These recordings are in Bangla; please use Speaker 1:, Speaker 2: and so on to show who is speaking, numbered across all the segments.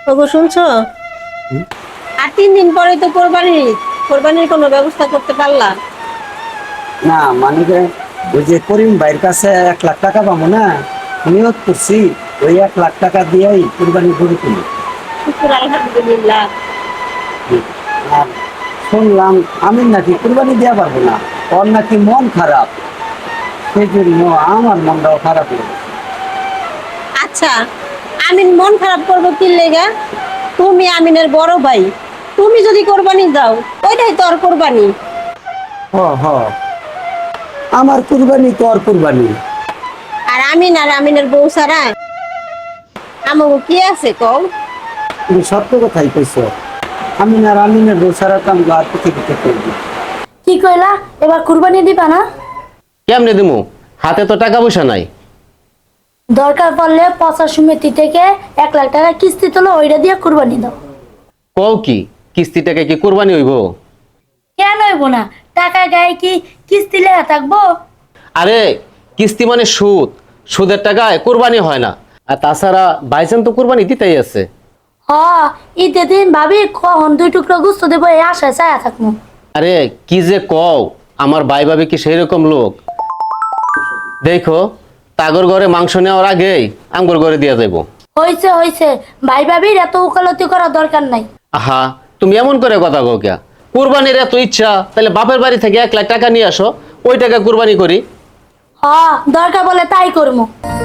Speaker 1: ওগো শুনছো? আর 3 দিন পরে তো কোরবানির কোনো ব্যবস্থা করতে পারলা
Speaker 2: না মানে যে ওই যে করিম ভাইয়ের কাছে 1 লাখ টাকা পাবো না, নিয়োগ করছি ওই 1 লাখ টাকা দিয়েই কুরবানি করে তুলি।
Speaker 1: শুকুর আলহামদুলিল্লাহ।
Speaker 2: আর শুনলাম আমি নাকি কুরবানি দেওয়া পারবো না, ওর নাকি মন খারাপ, সেই জন্য আমার মনটাও খারাপ হয়ে গেছে।
Speaker 1: আচ্ছা, আমিন মন খারাপ করবো কি লেগা? তুমি আমিনের বড় ভাই, তুমি যদি কোরবানি দাও ওইটাই তোর কোরবানি।
Speaker 2: হ হ, আমার কুরবানি তোর কুরবানি।
Speaker 1: আর আমিনের বউ ছাড়া আমাকে কি আছে কও?
Speaker 2: তুমি সত্য কথাই কইছো, আমিনের বউ সারা কাম আর পৃথিবীতে করবি।
Speaker 3: কি কইলা? এবার কুরবানি দিবা না?
Speaker 4: কেমনে দিমু? হাতে তো টাকা পয়সা নাই।
Speaker 3: দরকার পড়লে পচা সমিতি থেকে 1 লাখ টাকা কিস্তি তোলো, ওইটা দিয়ে কুরবানি দাও।
Speaker 4: কও কি কিস্তি টাকা কি কুরবানি হইব?
Speaker 3: কেন হইব না? টাকা গায়ে কি কিস্তি লেখা থাকবো?
Speaker 4: আরে কিস্তি মানে সুদ, সুদের টাকায় কুরবানি হয় না। আর তাছাড়া বাইচান তো কুরবানি দিতেই আছে।
Speaker 3: হ, ঈদের দিন ভাবি কখন 2 টুকরো গুস্ত দেবো এই আশায় চায়া থাকবো।
Speaker 4: আরে কি যে কও, আমার ভাই ভাবি কি সেই রকম লোক? দেখো তাগর ঘরে মাংস নেওয়ার আগেই আমগর ঘরে দিয়া যাইব।
Speaker 3: হইছে হইছে, ভাই ভাবির এত উকালতি করার দরকার নাই।
Speaker 4: আহা, তুমি এমন করে কথা কও কিয়া? কুরবানির এত ইচ্ছা, তাহলে বাপের বাড়ি থেকে 1 লাখ টাকা নিয়ে আসো, ওই টাকা কুরবানি করি।
Speaker 3: হ, দরকার বলে তাই করবো।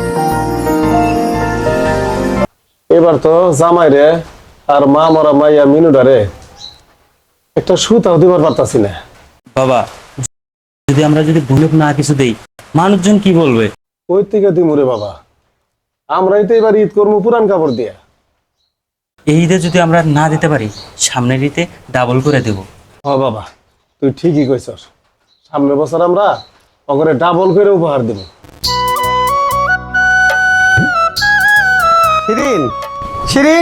Speaker 5: এবার তো জামাই রে আর মা মরা মাইয়া মিনুডা রে একটা সুতাও দিবার পারতাছি না।
Speaker 6: বাবা, যদি ভুলুক না কিছু দেই, মানুষজন কি বলবে?
Speaker 5: ওই থেকে দিমুরে বাবা, আমরাই তো এবার ঈদ করবো পুরান কাপড় দিয়া।
Speaker 6: এই ঈদে যদি আমরা না দিতে পারি, সামনের ঈদে ডাবল করে দেব।
Speaker 5: হ বাবা, তুই ঠিকই কইছস, সামনের বছর আমরা ওগরে ডাবল করে উপহার দেব।
Speaker 2: শিরিন, শিরিন,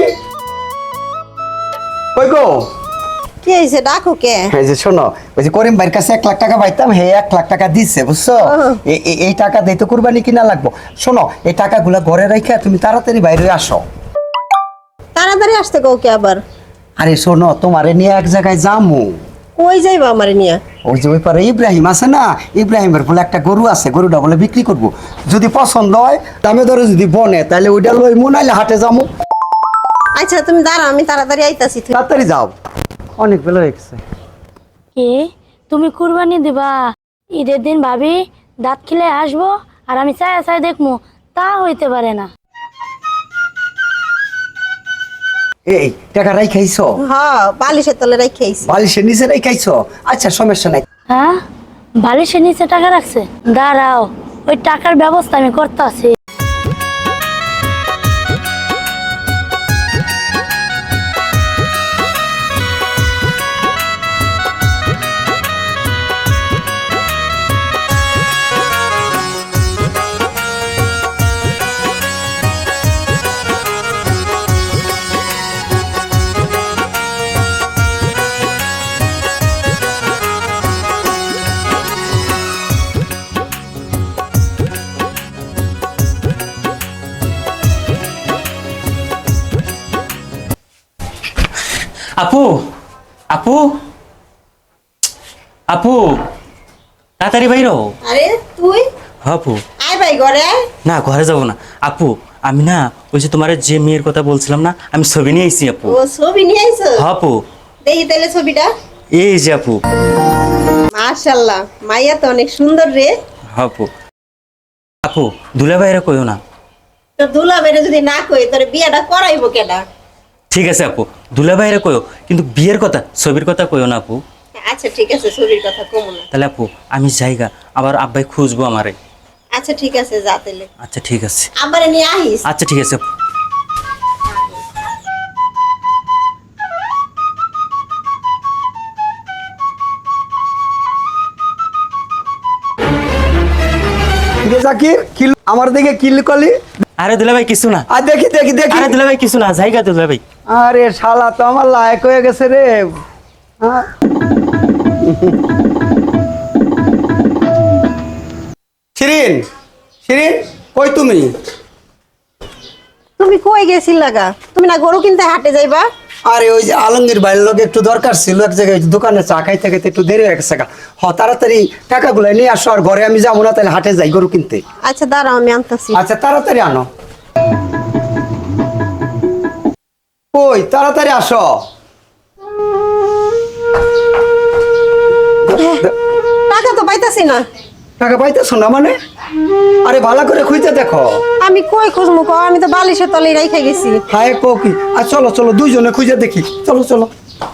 Speaker 2: কই গো?
Speaker 1: কি হয়েছে, ডাকো কে?
Speaker 2: এই যে শোনো, ওই যে করিম ভাইয়ের কাছে 1 লাখ টাকা পাইতাম, হে 1 লাখ টাকা দিচ্ছে বুঝছো। এই টাকা দিয়ে তো কুরবানি কিনা লাগবো। শোনো, এই টাকাগুলা ঘরে রাখা তুমি তাড়াতাড়ি বাইরে আসো।
Speaker 1: তাড়াতাড়ি আসতে কও কে আবার?
Speaker 2: আরে শোনো, তোমারে নিয়ে এক জায়গায় যামু।
Speaker 1: কই যাইবা আমারে নিয়া?
Speaker 2: ওই যে ওই পারে ইব্রাহিম আছে না, ইব্রাহিমের বলে একটা গরু আছে, গরুটা বলে বিক্রি করব। যদি পছন্দ হয় দামে দরে যদি বনে, তাহলে ওইটা লইমু, নাইলে হাটে যামু।
Speaker 1: আচ্ছা তুমি দাঁড়াও, আমি তাড়াতাড়ি আইতাছি।
Speaker 2: তাড়াতাড়ি যাও, অনেক বেলা হয়ে গেছে।
Speaker 3: কি তুমি কুরবানি দিবা? ঈদের দিন ভাবি দাঁত খিলে আসবো আর আমি চায়া চায়া দেখবো, তা হইতে পারে না।
Speaker 2: এই টাকা রাইখাইছো?
Speaker 1: হ্যাঁ, বালিশের তলে রাখি আইছি।
Speaker 2: বালিশের নিচে রাইখাইছো? আচ্ছা সমস্যা নাই।
Speaker 3: হ্যাঁ, বালিশের নিচে টাকা রাখছে? দাঁড়াও, ওই টাকার ব্যবস্থা আমি করতে আছি।
Speaker 6: আপু, আপু, আপু, তাড়াতাড়ি বাইর হও।
Speaker 1: আরে তুই
Speaker 6: আপু,
Speaker 1: আয় ভাই ঘরে আয়।
Speaker 6: না ঘরে যাব না আপু, আমি না ওই যে তোমার যে মেয়ের কথা বলছিলাম না, আমি ছবি নিয়ে আইছি আপু।
Speaker 1: ও ছবি নিয়ে আইছো?
Speaker 6: আপু,
Speaker 1: দেখি তাহলে ছবিটা।
Speaker 6: এই যে আপু।
Speaker 1: মাশাআল্লাহ, মাইয়া তো অনেক সুন্দর রে।
Speaker 6: আপু, আপু দুলা বাইরে কইও না।
Speaker 1: তো দুলা বেরে যদি না কই তোর বিয়েটা করাইবো কেডা?
Speaker 6: ঠিক আছে আপু, দুলা বাইরে কইও, কিন্তু বিয়ের কথা, ছবির কথা কইও না আপু।
Speaker 1: আচ্ছা ঠিক আছে, ছবির কথা কমু না।
Speaker 6: তাহলে আপু আমি যাইগা, আবার আব্বাই খুঁজবো আমারে।
Speaker 1: আচ্ছা ঠিক আছে, যা তাইলে।
Speaker 6: আচ্ছা ঠিক আছে।
Speaker 1: আমারে নিয়ে আইস।
Speaker 6: আচ্ছা ঠিক আছে আপু।
Speaker 2: জাকির, আমার দিকে কিল কলি।
Speaker 6: আরে দুলা ভাই কিছু না।
Speaker 2: আর দেখি দেখি দেখি।
Speaker 6: আরে দুলা ভাই কিছু না, যাইগা দুলা ভাই।
Speaker 2: আরে শালা তো আমার লায়ক হয়ে গেছে রে। হ্যাঁ, শিরিন, শিরিন, কই তুমি?
Speaker 1: তুমি কই গেছিল লাগা? তুমি না গরু কিনতে হাটে যাইবা?
Speaker 2: আরে ওই যে আলমগীর ভাইয়ের লোক একটু দরকার ছিল এক জায়গায় দোকানে চা খাইতে খাইতে একটু দেরি হয়ে গেছে তাড়াতাড়ি টাকাগুলো নিয়ে আসো, আর ঘরে আমি যাবো না, তাহলে হাটে যাই গরু কিনতে।
Speaker 1: আচ্ছা দাঁড়াও, আমি আনতেছি।
Speaker 2: আচ্ছা তাড়াতাড়ি আনো। কই তাড়াতাড়ি আসো।
Speaker 1: টাকা তো পাইতাছি না।
Speaker 2: টাকা পাইতেছো না মানে? আরে ভালো করে খুঁজতে দেখো।
Speaker 1: আমি কই খুঁজমু কও? আমি তো বালিশের তলে রাইখা গেছি।
Speaker 2: হায় কো কি? আর চলো চলো দুইজনে খুঁজে দেখি, চলো চলো।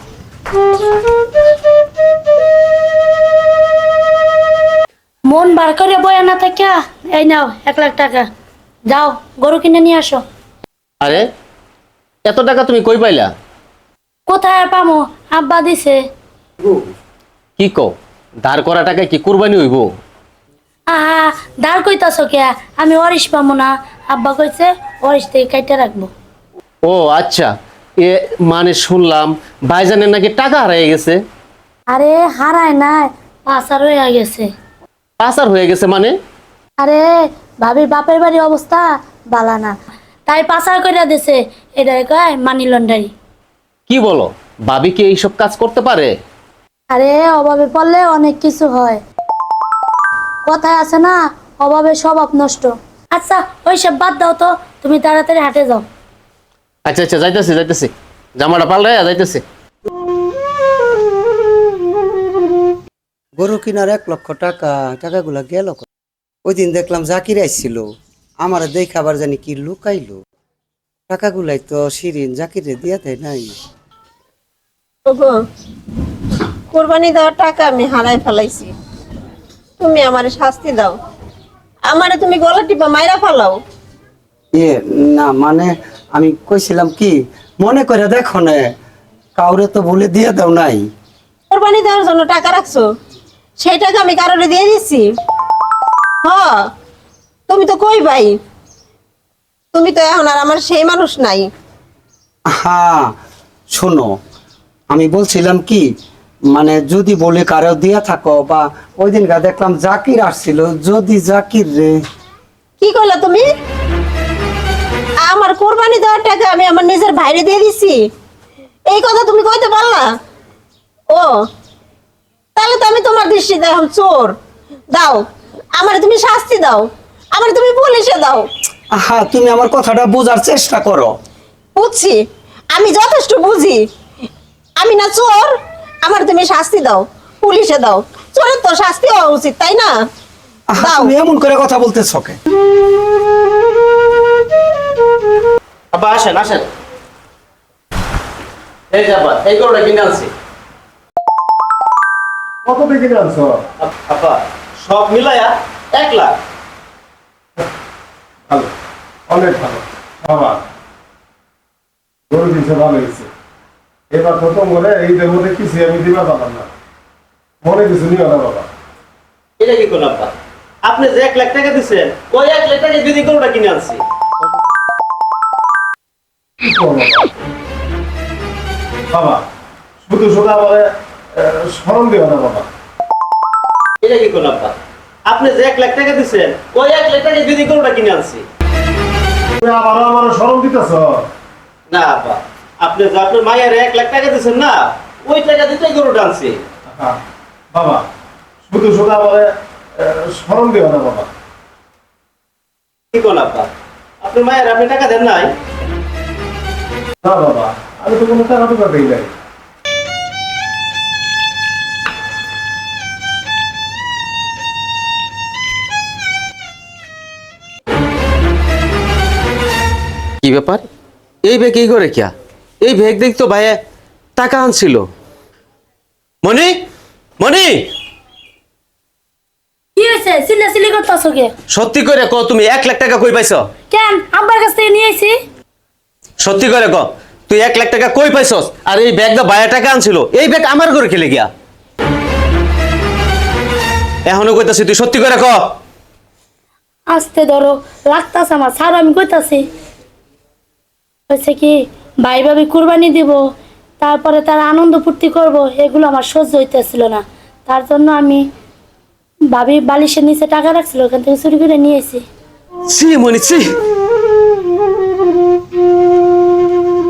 Speaker 3: মন বার করে বয়া না থাকে, এই নাও 1 লাখ টাকা, যাও গরু কিনে নিয়ে আসো।
Speaker 4: আরে এত টাকা তুমি কই পাইলা?
Speaker 3: কোথায় আর পামো, আব্বা দিছে।
Speaker 4: কি কও, ধার করা টাকা কি কুরবানি হইব?
Speaker 3: আহা, দাঁড় কইতাছো কে? আমি অরিশ পামো না, আব্বা কইছে অরিশ থেকে কাইটা রাখবো।
Speaker 4: ও আচ্ছা, এ মানে শুনলাম ভাইজানের নাকি টাকা হারিয়ে গেছে।
Speaker 3: আরে হারায় নাই, পাচার হয়ে গেছে।
Speaker 4: পাচার হয়ে গেছে মানে?
Speaker 3: আরে ভাবির বাপের বাড়ি অবস্থা বালা না, তাই পাচার কইরা দিছে। এটা কয় মানি লন্ডারি।
Speaker 4: কি বলো, ভাবি কি এইসব কাজ করতে পারে?
Speaker 3: আরে অভাবে পড়লে অনেক কিছু হয়, কথায় আছে না, অভাবে স্বভাব নষ্ট। আচ্ছা ওইসব বাদ দাও তো, তুমি তাড়াতাড়ি হাটে যাও।
Speaker 4: আচ্ছা আচ্ছা যাইতেছি যাইতেছি, জামাটা পাল্টাই যাইতেছি।
Speaker 2: গরু কিনার 1 লক্ষ টাকা, টাকাগুলা গেল কই? ওই দিন দেখলাম জাকির আইছিল, আমার দেখে আবার জানি কি লুকাইলো। টাকাগুলাই তো শিরিন জাকিরে দিয়া দেয় নাই।
Speaker 1: ওগো, কোরবানি দেওয়ার টাকা আমি হারাই ফেলাইছি। তুমি আমারে শাস্তি দাও, আমারে তুমি গলা টিপা মাইরা ফেলাও।
Speaker 2: না মানে আমি কইছিলাম কি, মনে করে দেখো না, কাউরে তো বলে দিয়ে দাও নাই।
Speaker 1: কোরবানি দেওয়ার জন্য টাকা রাখছো, সেই টাকা আমি কারোরে দিয়ে দিচ্ছি? হ, তুমি তো কই ভাই, তুমি তো এখন আর আমার সেই মানুষ নাই।
Speaker 2: হ্যাঁ শোনো, আমি বলছিলাম কি, মানে যদি বলে কারো দিয়া থাকো, বা ওই দিন দেখলাম জাকির আসছিল, যদি জাকির রে।
Speaker 1: কি কইলা তুমি? আমার কোরবানি দেওয়ার টাকা আমি আমার নিজের ভাইরে দিয়ে দিছি, এই কথা তুমি কইতে পারলা? ও তাহলে তো আমি তোমার দৃষ্টিতে এখন চোর। দাও আমারে তুমি শাস্তি দাও, আমারে তুমি পুলিশে দাও।
Speaker 2: হ্যাঁ তুমি আমার কথাটা বোঝার চেষ্টা করো।
Speaker 1: বুঝছি, আমি যথেষ্ট বুঝি। আমি না চোর, আমার তুমি শাস্তি দাও, পুলিশে দাও। চোরের তো শাস্তি হওয়া উচিত, তাই না? দাও।
Speaker 2: তুমি এমন করে কথা বলতেছো কে?
Speaker 4: আব্বা আসেন আসেন, এই যে আব্বা এই গরুটা কিনে আনছি।
Speaker 5: কত থেকে আনছো?
Speaker 4: আব্বা সব মিলায়া 1 লাখ।
Speaker 5: ভালো, অনেক ভালো বাবা, গরু দিছে ভালো হয়েছে। এবার প্রথম করে এইদের মধ্যে কিছু আমি দিবা পারলাম না, মনে কিছু নিও না বাবা।
Speaker 4: এটা কি করলাম আব্বা? আপনি যে 1 লাখ টাকা দিচ্ছেন, ওই 1 লাখ টাকা দিদি গরুটা কিনে আনছি।
Speaker 5: কি করবো বাবা, শুধু শুধু আমার স্মরণ দিও না বাবা।
Speaker 4: এটা কি করলাম আব্বা? আপনি যে 1 লাখ টাকা দিচ্ছেন, ওই 1 লাখ টাকা দিদি গরুটা কিনে আনছি।
Speaker 5: তুমি আবারও আমার স্মরণ দিতেছ?
Speaker 4: না আব্বা, আপনি যে আপনার মায়ের 1 লাখ টাকা দিচ্ছেন না, ওই টাকা দিতেই গরুটা আনছি।
Speaker 5: বাবা শুধু শুধু আমার স্মরণ দিও না বাবা।
Speaker 4: কি করলাম আব্বা? আপনার মায়ের আপনি টাকা দেন নাই?
Speaker 5: না বাবা, আমি তো কোনো টাকা টুকা দিই নাই।
Speaker 4: কি ব্যাপার, এই ব্যাগ এই করে কিয়া? এই ব্যাগ দেখ তো ভাইয়া টাকা আনছিল। মনি মনি,
Speaker 3: কি হয়েছে? চিল্লাচিল্লি করতেছো কে?
Speaker 4: সত্যি করে ক, তুমি 1 লাখ টাকা কই পাইছ?
Speaker 3: কেন, আব্বার কাছ থেকে নিয়ে আইছি।
Speaker 4: সত্যি করে ক, তুই 1 লাখ টাকা কই পাইছস? আর এই ব্যাগ দা ভাইয়া টাকা আনছিল, এই ব্যাগ আমার ঘরে খেলে গিয়া। এখনো কইতাছি, তুই সত্যি করে ক।
Speaker 3: আস্তে ধরো, লাগতাছে আমার, স্যার আমি কইতাছি। হয়েছে কি, ভাই ভাবি কুরবানি দিব, তারপরে তারা আনন্দ ফুর্তি করব, এগুলো আমার সহ্য হইতেছিল না। তার জন্য আমি ভাবি বালিশের নিচে টাকা রাখছিল, ওখান থেকে চুরি করে নিয়ে এসেছি।
Speaker 4: ছি মনি ছি।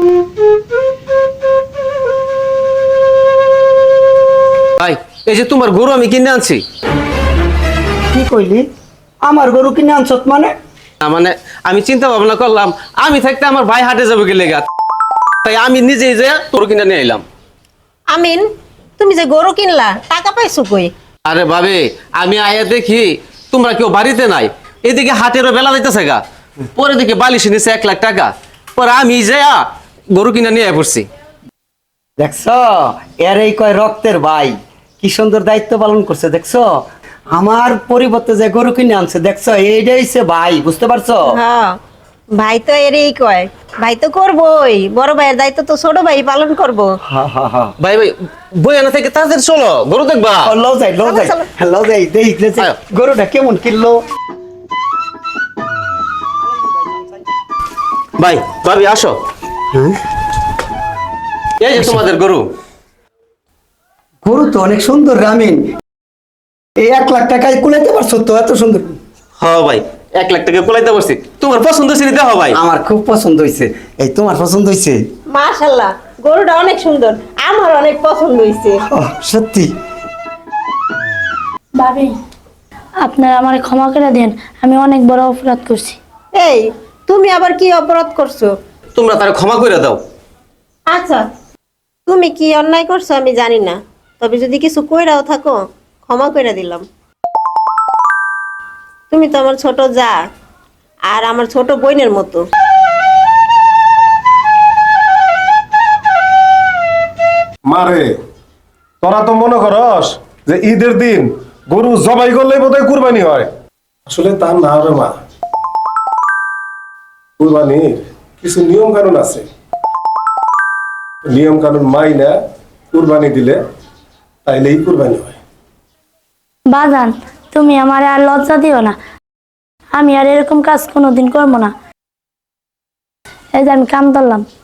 Speaker 4: এই যে তোমার গরু আমি কিনে আনছি।
Speaker 2: কি কইলি? আমার গরু কিনে আনছত মানে?
Speaker 4: না মানে আমি চিন্তা ভাবনা করলাম আমি থাকতে আমার ভাই হাটে যাবে গেলে গা, তাই আমি নিজেই যে গরু কিনে নিয়ে এলাম।
Speaker 1: আমিন, তুমি যে গরু কিনলা টাকা পাইছো কই?
Speaker 4: আরে ভাবে আমি আয়া দেখি তোমরা কেউ বাড়িতে নাই, এদিকে হাটেরও বেলা যাইতেছে গা, পরে দেখি বালিশ নিছে 1 লাখ টাকা, পরে আমি যে গরু কিনে নিয়ে পড়ছি।
Speaker 2: দেখছ, এরই কয় রক্তের ভাই, কি সুন্দর দায়িত্ব পালন করছে দেখছ। আমার পরিবর্তে যে গরু কিনে আনছে দেখছ, এইটাই হচ্ছে ভাই, বুঝতে পারছো?
Speaker 1: হ্যাঁ, ভাই তো এরই কয়, ভাই তো করবই, বড় ভাইয়ের দায়িত্ব তো ছোট ভাই পালন করবো।
Speaker 2: হা হা হা।
Speaker 4: ভাই ভাই বই আনা থেকে তাড়াতাড়ি চলো, গরু দেখবা।
Speaker 2: লও যাই লও যাই
Speaker 1: চলো,
Speaker 2: লও যাই, দেখলে যে
Speaker 4: আয়ো।
Speaker 2: গরুটা কেমন কিনলো।
Speaker 4: ভাই ভাবি আসো,
Speaker 2: হ্যাঁ,
Speaker 4: এই যে তোমাদের গরু।
Speaker 2: গরু তো অনেক সুন্দর রামিন, এই 1 লাখ টাকায় কুলাইতে পারছো তো, এত সুন্দর।
Speaker 4: হ্যাঁ ভাই 1 লাখ টাকা কোলাইতে পারছি, তোমার পছন্দ ছিল দেখো ভাই।
Speaker 2: আমার খুব পছন্দ হয়েছে। এই তোমার পছন্দ হয়েছে?
Speaker 1: মাশাআল্লাহ, গরুটা অনেক সুন্দর, আমার অনেক পছন্দ হয়েছে।
Speaker 2: সত্যি?
Speaker 3: ভাবি আপনারা আমার ক্ষমা করে দেন, আমি অনেক বড় অপরাধ করছি।
Speaker 1: এই, তুমি আবার কি অপরাধ করছো?
Speaker 4: তোমরা তার ক্ষমা করে দাও।
Speaker 1: আচ্ছা, তুমি কি অন্যায় করছো আমি জানি না, তবে যদি কিছু কইরাও থাকো ক্ষমা কইরা দিলাম। তুমি তো আমার ছোট যা আর আমার ছোট বোনের মতো।
Speaker 5: মারে, তোরা তো মনে করস যে ঈদের দিন গরু জবাই করলেই বোধহয় কুরবানি হয়। আসলে তা না রে মা, কুরবানির কিছু নিয়ম কানুন আছে। নিয়ম কানুন মাইনা কুরবানি দিলে তাইলেই কুরবানি হয়।
Speaker 3: বাজান তুমি আমার আর লজ্জা দিও না, আমি আর এরকম কাজ কোনোদিন করবো না। এই যে আমি কাম ধরলাম।